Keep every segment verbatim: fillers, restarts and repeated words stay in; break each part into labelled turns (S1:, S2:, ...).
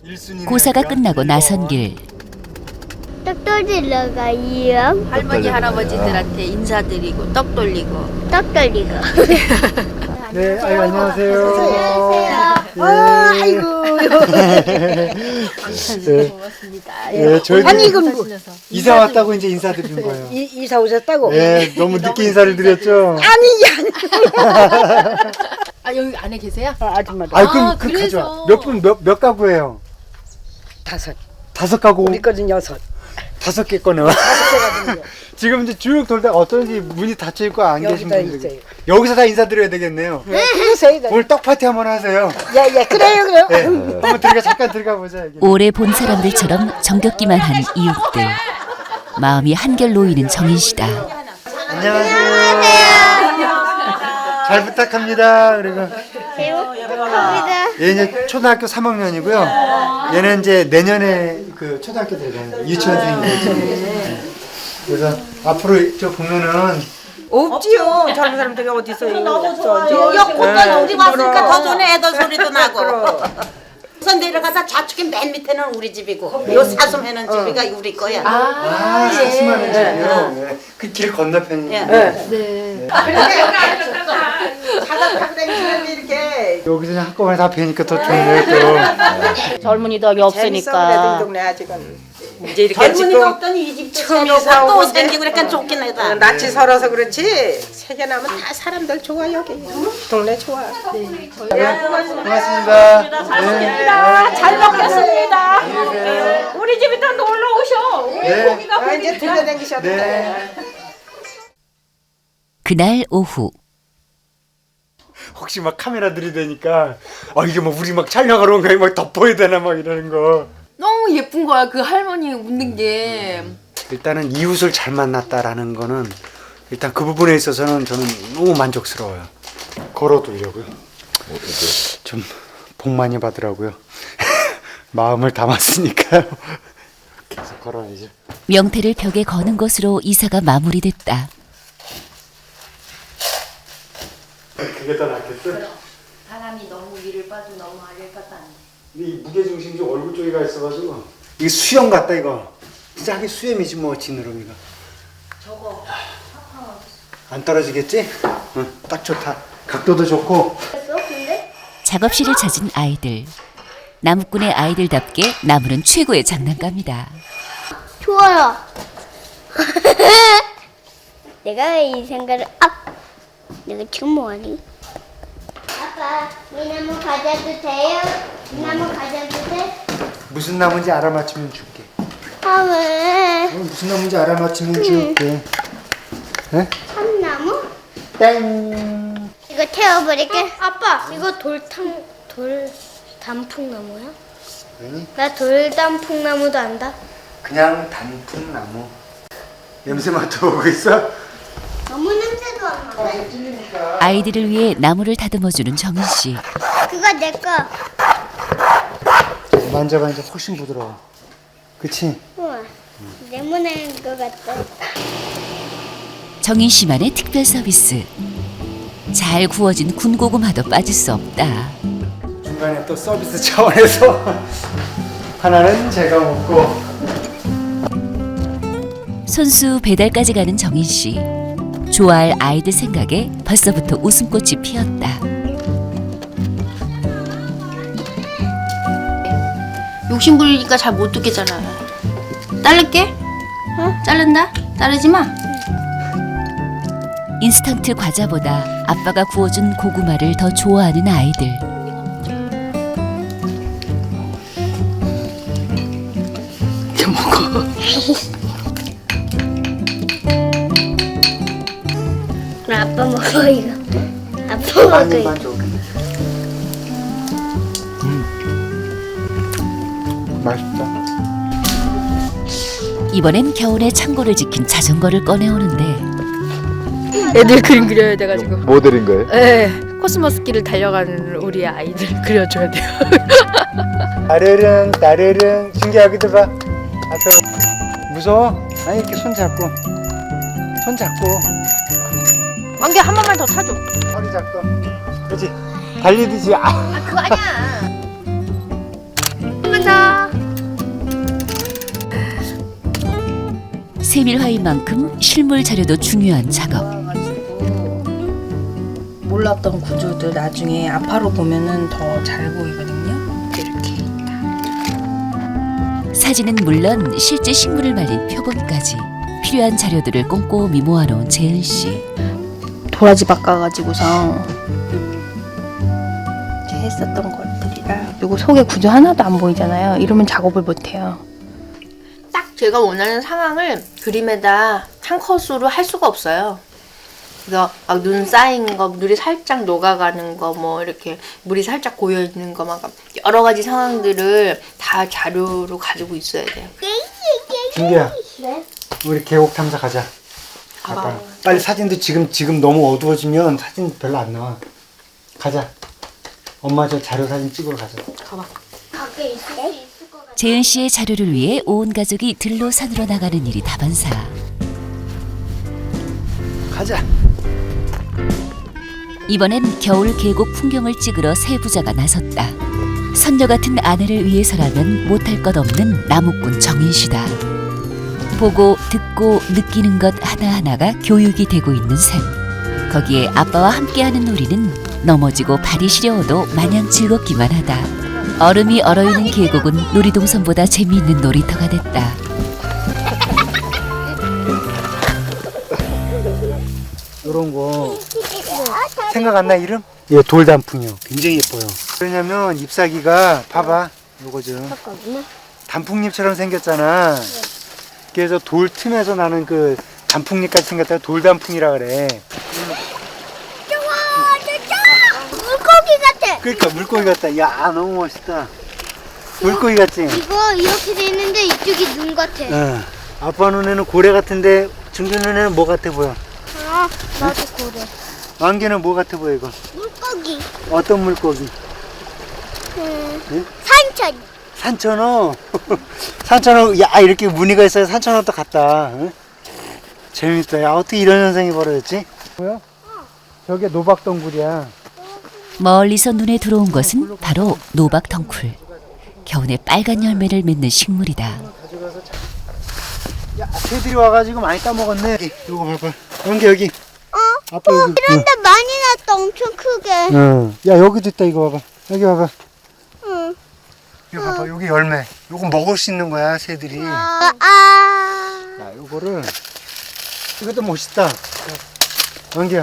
S1: 고사가 끝나고 나선 길.
S2: 떡 돌리러 가요.
S3: 할머니 할아버지들한테 인사드리고 떡 돌리고
S2: 떡 돌리고.
S4: 네, 아유, 안녕하세요.
S2: 안녕하세요.
S4: 아,
S3: 아이고
S4: 네.
S3: 고맙습니다.
S4: 네, 저희도
S3: 아니 이건 뭐,
S4: 이사 왔다고 이제 인사드리는 거예요.
S3: 이, 이사 오셨다고?
S4: 네, 너무 늦게 인사를 드렸죠.
S3: 아니 아니 아 여기 안에 계세요?
S5: 어, 아줌마도
S4: 아, 그럼
S3: 아,
S4: 그
S3: 그래서.
S4: 가져와. 몇 분, 몇, 몇 가구예요?
S5: 다섯.
S4: 다섯 가구,
S5: 우리 거는 여섯.
S4: 다섯 개 꺼내와. 지금 이제 쭉 돌다가 어쩐지 문이 닫혀 있고 안 계신
S5: 여기다
S4: 분들
S5: 있어요.
S4: 여기서 다 인사드려야 되겠네요.
S5: 그러세요.
S4: 오늘 떡 파티 한번 하세요.
S5: 야야 그래요 그래요.
S4: 네, 한번 들어가 잠깐 들어가 보자. 여기.
S1: 오래 본 사람들처럼 정겹기만 한 이웃들. 마음이 한결 놓이는 정인 씨다.
S4: 안녕하세요. 잘 부탁합니다. 그리고
S2: 잘 먹겠습니다.
S4: 얘 이제 초등학교 삼 학년이고요. 얘는 이제 내년에 그 초등학교 들어가요. 유치원생이죠. 그래서 앞으로 저 보면은
S5: 없지요. 젊은 사람들이 어디 있어요? 없어.
S6: 여기까지 우리 왔으니까
S5: 그럼.
S6: 더 전에 애들 소리도 나고.
S5: 그럼.
S6: 우선 내려가서 좌측에 맨 밑에는 우리 집이고 요 사슴해는 집이가 우리 거야.
S4: 아, 사슴하는 집이요. 네. 그 길 건너편이에요.
S6: 예.
S3: 네.
S5: 자다 타고 다니시는데 이렇게
S4: 여기서 그냥 한꺼번에 다 뵈니까 더 좋네요. 또.
S6: 젊은이들이
S5: 재밌어. 동네 아직은. 이제 이렇게
S6: 젊은이가
S5: 지금
S6: 없더니 이 집도
S5: 처음
S6: 새로고
S5: 이사
S6: 또
S5: 오는데.
S6: 생기고 그러니까 좋긴 하다.
S5: 낯이 설어서 그렇지. 세계나면 다 사람들 좋아 여기. 동네 좋아.
S4: 네, 고맙습니다. 네.
S6: 잘 먹겠습니다. 우리 집에 또 놀러 오셔. 우리
S4: 네.
S6: 고기가
S5: 아, 이제 들려다니셨다.
S4: 네.
S1: 그날 오후.
S4: 혹시 막 카메라 들이대니까 아 이게 뭐 우리 막 촬영하러 온 거야 막 덮어야 되나 막 이러는 거.
S3: 너무 예쁜 거야 그 할머니 웃는 게.
S4: 일단은 이웃을 잘 만났다라는 거는 일단 그 부분에 있어서는 저는 너무 만족스러워요. 걸어두려고요. 좀 복 많이 받으라고요. 마음을 담았으니까요. 계속 걸어야죠.
S1: 명태를 벽에 거는 것으로 이사가 마무리됐다.
S4: 그게 더 낫겠어?
S3: 사람이 너무 위를 빠도 너무 아래를 빠도 안 돼.
S4: 근데 이 무게중심이 좀 얼굴 쪽에 가 있어가지고 이게 수염 같다 이거. 진짜 하긴 수염이지 뭐 지느러미가.
S3: 저거
S4: 안 떨어지겠지? 응, 딱 좋다. 각도도 좋고.
S1: 작업실을 찾은 아이들. 나무꾼의 아이들답게 나무는 최고의 장난감이다.
S2: 좋아요. 내가 왜 이 생각을 아 내가 지금 뭐하니? 아빠 이 나무 가져도 돼요? 이 나무 가져도 돼?
S4: 무슨 나무인지 알아맞히면 줄게.
S2: 아 왜?
S4: 어, 무슨 나무인지 알아맞히면 줄게. 네?
S2: 참나무?
S4: 땡.
S2: 이거 태워버릴게. 아빠 이거 돌탕 돌 단풍나무야?
S4: 아니,
S2: 나 돌단풍나무도 안다.
S4: 그냥 단풍나무. 냄새 맡아보고 있어?
S2: 너무 냄새도 안 나.
S1: 아이들을 위해 나무를 다듬어주는 정인 씨.
S2: 그거 내 거.
S4: 만져봐 이제 훨씬 부드러워. 그치?
S2: 우와. 레몬인 것 같다.
S1: 정인 씨만의 특별 서비스. 잘 구워진 군고구마도 빠질 수 없다.
S4: 중간에 또 서비스 차원에서 하나는 제가 먹고.
S1: 손수 배달까지 가는 정인 씨. 좋아할 아이들 생각에 벌써부터 웃음꽃이 피었다.
S3: 욕심 부리니까 잘 못 듣겠잖아. 자를게? 어? 자른다? 자르지 마.
S1: 인스턴트 과자보다 아빠가 구워준 고구마를 더 좋아하는 아이들.
S3: 이렇게 먹어.
S2: 나 아빠 먹어 이거. 아빠 먹어
S4: 많이
S2: 이거.
S4: 만져. 음. 맛있다.
S1: 이번엔 겨울에 창고를 지킨 자전거를 꺼내오는데
S3: 애들 그림 그려야 돼가지고.
S7: 뭐 드린 거예요?
S3: 네. 코스모스 길을 달려가는 우리 아이들 그려줘야 돼요.
S4: 따르릉 따르릉 신기하기도 봐. 앞으로 무서워? 아니 이렇게 손 잡고 손 잡고
S3: 안개 한 번만 더 타줘.
S4: 허리 잡고 그렇지 달리듯이 아.
S3: 아 그거 아니야. 한번 더.
S1: 세밀화인 만큼 실물 자료도 중요한 작업.
S3: 몰랐던 구조들 나중에 아파로 보면은 더 잘 보이거든요. 이렇게.
S1: 사진은 물론 실제 식물을 말린 표본까지 필요한 자료들을 꼼꼼히 모아놓은 재은 씨.
S3: 도라지 바꿔가지고서 이제 했었던 것들이라. 그리고 속에 구조 하나도 안 보이잖아요. 이러면 작업을 못해요. 딱 제가 원하는 상황을 그림에다 한 컷으로 할 수가 없어요. 그래서 막 눈 쌓인 거, 눈이 살짝 녹아가는 거, 뭐 이렇게 물이 살짝 고여 있는 거, 막 여러 가지 상황들을 다 자료로 가지고 있어야 돼요.
S4: 준기야,
S2: 네?
S4: 우리 계곡 탐사 가자. 아빠,
S3: 가봐.
S4: 빨리 사진도 지금 지금 너무 어두워지면 사진 별로 안 나와. 가자. 엄마 저 자료 사진 찍으러 가자.
S3: 가봐.
S2: 가게 있을 수 있을 것 같아.
S1: 재은 씨의 자료를 위해 온 가족이 들로 산으로 나가는 일이 다반사.
S4: 가자.
S1: 이번엔 겨울 계곡 풍경을 찍으러 세 부자가 나섰다. 선녀 같은 아내를 위해서라면 못할 것 없는 나무꾼 정인 씨다. 보고 듣고 느끼는 것 하나하나가 교육이 되고 있는 셈. 거기에 아빠와 함께하는 놀이는 넘어지고 발이 시려워도 마냥 즐겁기만 하다. 얼음이 얼어있는 계곡은 놀이동산보다 재미있는 놀이터가 됐다.
S4: 이런 거 생각 안 나 이름? 예, 돌단풍이요. 굉장히 예뻐요. 왜냐면 잎사귀가 봐봐. 요거죠. 단풍잎처럼 생겼잖아. 그래서 돌 틈에서 나는 그 단풍잎같이 생겼다가 돌단풍이라 그래.
S2: 물고기 같아.
S4: 그러니까 물고기 같다. 야, 너무 멋있다. 물고기 같지?
S2: 이거 이렇게 돼 있는데 이쪽이 눈 같아.
S4: 응. 아빠 눈에는 고래 같은데 중준 눈에는 뭐 같아 보여?
S2: 아, 나도 그래.
S4: 왕개는 뭐 같아 보여 이거?
S2: 물고기.
S4: 어떤 물고기?
S2: 음,
S4: 응?
S2: 산천.
S4: 산천어. 산천어. 야, 이렇게 무늬가 있어야 산천어도 같다. 응? 재밌다. 야, 어떻게 이런 현상이 벌어졌지? 뭐야? 저게 노박덩굴이야.
S1: 멀리서 눈에 들어온 것은 바로 노박덩쿨. 겨우내 빨간 열매를 맺는 식물이다.
S4: 야, 새들이 와가지고 많이 따먹었네. 여기, 요거 봐봐. 여기 여기.
S2: 어?
S4: 아빠 여기.
S2: 이런데 많이 났다. 엄청 크게.
S4: 응. 응. 야, 여기도 있다. 이거 봐봐. 여기 봐봐.
S2: 응.
S4: 이거 봐봐. 여기 열매. 요거 먹을 수 있는 거야, 새들이.
S2: 아, 아.
S4: 야, 요거를. 이것도 멋있다. 왕기야.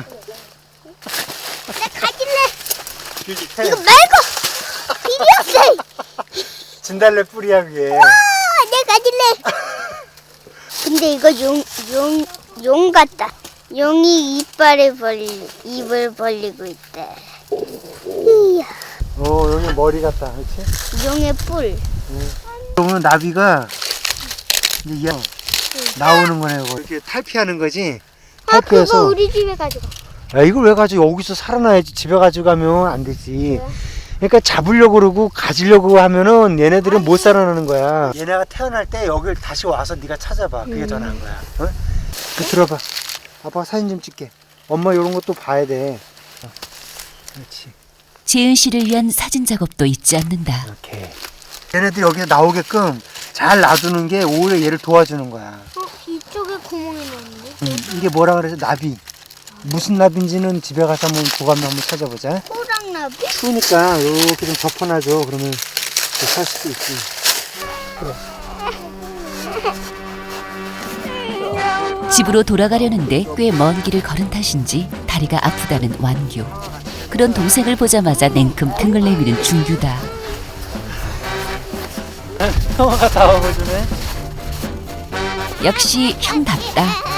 S2: 나 가질래. 이거 말고. 비벼세.
S4: 진달래 뿌리야, 그게.
S2: 아, 내 가질래. 근데 이거 용, 용, 용 같다. 용이 이빨을 벌리, 입을 벌리고 있대. 이야,
S4: 어, 여기 머리 같다. 그렇지?
S2: 용의 뿔.
S4: 오늘 나비가 이제 얘 나오는 거네, 이거. 이렇게 탈피하는 거지?
S2: 아, 그거
S4: 탈피해서.
S2: 우리 집에 가지고.
S4: 야, 이걸 왜 가지고 여기서 살아나야지. 집에 가지고 가면 안 되지. 그러니까 잡으려고 그러고 가지려고 하면은 얘네들은 못 살아나는 거야. 얘네가 태어날 때 여길 다시 와서 네가 찾아봐. 그게 더 나은 거야. 어? 그 들어봐. 아빠가 사진 좀 찍게. 엄마 이런 것도 봐야 돼. 어. 그렇지.
S1: 재은 씨를 위한 사진 작업도 잊지 않는다.
S4: 이렇게. 얘네들이 여기서 나오게끔 잘 놔두는 게 오히려 얘를 도와주는 거야.
S2: 어, 이쪽에 구멍이 나는데?
S4: 음, 이게 뭐라 그래서 나비. 무슨 나비인지는 집에 가서 한번 보관을 한번 찾아보자.
S2: 호랑나비?
S4: 추우니까 이렇게 좀 덮어놔줘. 그러면 살 수도 있지.
S1: 집으로 돌아가려는데 꽤 먼 길을 걸은 탓인지 다리가 아프다는 완규. 그런 동생을 보자마자 냉큼 등을 내미는 준규다.
S4: 형아가 다 먹어주네.
S1: 역시 형답다.